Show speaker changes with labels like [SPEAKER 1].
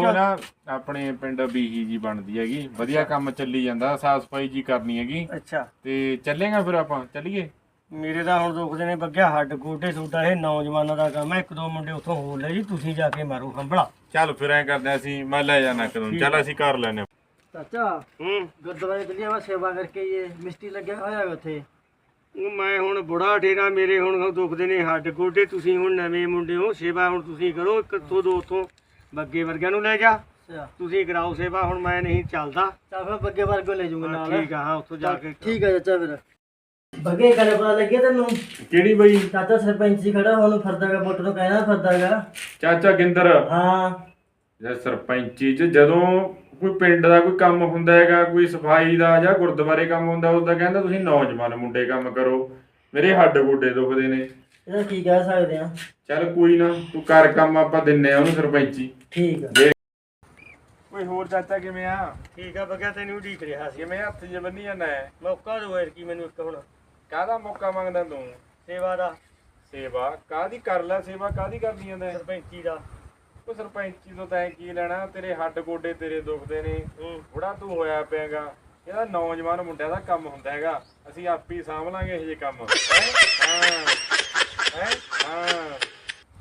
[SPEAKER 1] ਨਾ ਆਪਣੇ ਪਿੰਡ ਬੀਹੀ ਜੀ ਬਣਦੀ ਹੈਗੀ, ਵਧੀਆ ਕੰਮ ਚੱਲੀ ਜਾਂਦਾ, ਸਾਫ ਸਫਾਈ ਜੀ ਕਰਨੀ ਹੈਗੀ।
[SPEAKER 2] ਅੱਛਾ
[SPEAKER 1] ਤੇ ਚੱਲੇਗਾ ਫਿਰ ਆਪਾਂ ਚੱਲੀਏ।
[SPEAKER 2] ਮੇਰੇ ਤਾਂ ਹੁਣ ਦੁਖਦੇ ਨੇ ਬੱਗਿਆ ਹੱਡ ਗੋਡੇ ਤੁਹਾਡਾ ਇਹ ਨੌਜਵਾਨਾਂ ਦਾ ਕੰਮ ਹੈ। ਇੱਕ ਦੋ ਮੁੰਡੇ ਉੱਥੋਂ ਹੋਰ ਲੈ ਜੀ, ਤੁਸੀਂ ਜਾ ਕੇ ਮਾਰੋ ਹੰਬਲਾ।
[SPEAKER 1] ਚੱਲ ਫਿਰ ਐ ਕਰਦੇ ਆ, ਅਸੀਂ ਮੈਂ ਲੈ ਜਾਣਾ ਕਦੋਂ, ਚੱਲ ਅਸੀਂ ਕਰ ਲੈਨੇ ਆ।
[SPEAKER 3] ਚਾਚਾ ਗੁਰਦੁਆਰੇ ਚੱਲਿਆ ਵਾ ਸੇਵਾ ਕਰਕੇ ਇਹ ਮਿਸਤਰੀ ਲੱਗਿਆ ਹੋਇਆ ਹੈ ਉੱਥੇ।
[SPEAKER 2] ਮੈਂ ਹੁਣ ਬੁੜਾ ਠੇਰਾ, ਮੇਰੇ ਹੁਣ ਦੁਖਦੇ ਨੇ ਹੱਡ ਗੋਡੇ, ਤੁਸੀਂ ਹੁਣ ਨਵੇਂ ਮੁੰਡੇ ਹੋ, ਸੇਵਾ ਹੁਣ ਤੁਸੀਂ ਕਰੋ। ਇੱਕ ਤੋਂ ਦੋ ਉੱਥੋਂ ਬੱਗੇ ਵਰਗਿਆਂ ਨੂੰ ਲੈ ਜਾ,
[SPEAKER 3] ਅੱਛਾ
[SPEAKER 2] ਤੁਸੀਂ ਕਰਾਓ ਸੇਵਾ। ਹੁਣ ਮੈਂ ਨਹੀਂ ਚੱਲਦਾ।
[SPEAKER 3] ਚੱਲ ਫਿਰ ਬੱਗੇ ਵਰਗੋ ਲੈ ਜੂਗਾ ਨਾਲ।
[SPEAKER 2] ਠੀਕ ਆ, ਹਾਂ ਉੱਥੋਂ ਜਾ ਕੇ।
[SPEAKER 3] ਠੀਕ ਆ ਚਾਚਾ ਫਿਰ। ਬੱਗੇ ਗੱਲ ਪਤਾ ਲੱਗਿਆ ਤੈਨੂੰ?
[SPEAKER 1] ਕਿਹੜੀ ਬਈ?
[SPEAKER 3] ਚਾਚਾ ਸਰਪੰਚ ਜੀ ਖੜਾ ਹੁਣ ਫਿਰਦਾਗਾ, ਵੋਟ ਨੂੰ ਕਹਿਣਾ ਫਿਰਦਾਗਾ।
[SPEAKER 1] ਚਾਚਾ ਗਿੰਦਰ?
[SPEAKER 3] ਹਾਂ
[SPEAKER 1] ਜਾਂ ਸਰਪੰਚੀ ਚ ਜਦੋਂ ਕੋਈ ਪਿੰਡ ਦਾ ਕੋਈ ਕੰਮ ਹੁੰਦਾ ਹੈਗਾ, ਕੋਈ ਸਫਾਈ ਦਾ ਜਾਂ ਗੁਰਦੁਆਰੇ ਕੰਮ ਹੁੰਦਾ, ਉਸਦਾ ਕਹਿੰਦਾ ਤੁਸੀਂ ਨੌਜਵਾਨ ਮੁੰਡੇ ਕੰਮ ਕਰੋ, ਮੇਰੇ ਹੱਡ ਗੋਡੇ ਦੁਖਦੇ ਨੇ।
[SPEAKER 3] ਇਹਦਾ ਕੀ ਕਹਿ ਸਕਦੇ ਆ।
[SPEAKER 1] ਚੱਲ ਕੋਈ ਨਾ, ਤੂੰ ਕਰ ਕੰਮ, ਆਪਾਂ ਦਿੰਨੇ ਆ ਉਹਨੂੰ ਸਰਪੰਚੀ।
[SPEAKER 3] ਠੀਕ ਆ।
[SPEAKER 1] ਕੋਈ ਹੋਰ ਚਾਚਾ ਕਿਵੇਂ ਆ?
[SPEAKER 2] ਠੀਕ ਆ ਬੱਗਿਆ, ਤੈਨੂੰ ਉਡੀਕ ਰਿਹਾ ਸੀ।
[SPEAKER 1] ਕਿਵੇਂ ਹੱਥ ਜੇ ਬੰਨੀ ਜਾਂਦਾ ਹੈ?
[SPEAKER 2] ਮੌਕਾ ਦੋ ਯਾਰ, ਕੀ ਮੈਨੂੰ ਇੱਕ ਹੁਣ
[SPEAKER 1] ਕਾਹਦਾ ਮੌਕਾ ਮੰਗਦਾ ਤੂੰ?
[SPEAKER 2] ਸੇਵਾ ਦਾ।
[SPEAKER 1] ਸੇਵਾ ਕਾਹਦੀ ਕਰ ਲੈ, ਸੇਵਾ ਕਾਹਦੀ ਕਰਨੀ ਜਾਂਦਾ?
[SPEAKER 2] ਸਰਪੰਚੀ ਦਾ।
[SPEAKER 1] ਉਹ ਸਰਪੰਚੀ ਤੋਂ ਤੈਂ ਕੀ ਲੈਣਾ? ਤੇਰੇ ਹੱਡ ਗੋਡੇ ਤੇਰੇ ਦੁਖਦੇ ਨੇ, ਬੁੜਾ ਤੂੰ ਹੋਇਆ ਪਿਆਗਾ। ਇਹਦਾ ਨੌਜਵਾਨ ਮੁੰਡਿਆਂ ਦਾ ਕੰਮ ਹੁੰਦਾ ਹੈਗਾ, ਅਸੀਂ ਆਪੇ ਸਾਂਭ ਲਾਂਗੇ ਇਹ ਜੇ ਕੰਮ। ਹੈਂ? ਹਾਂ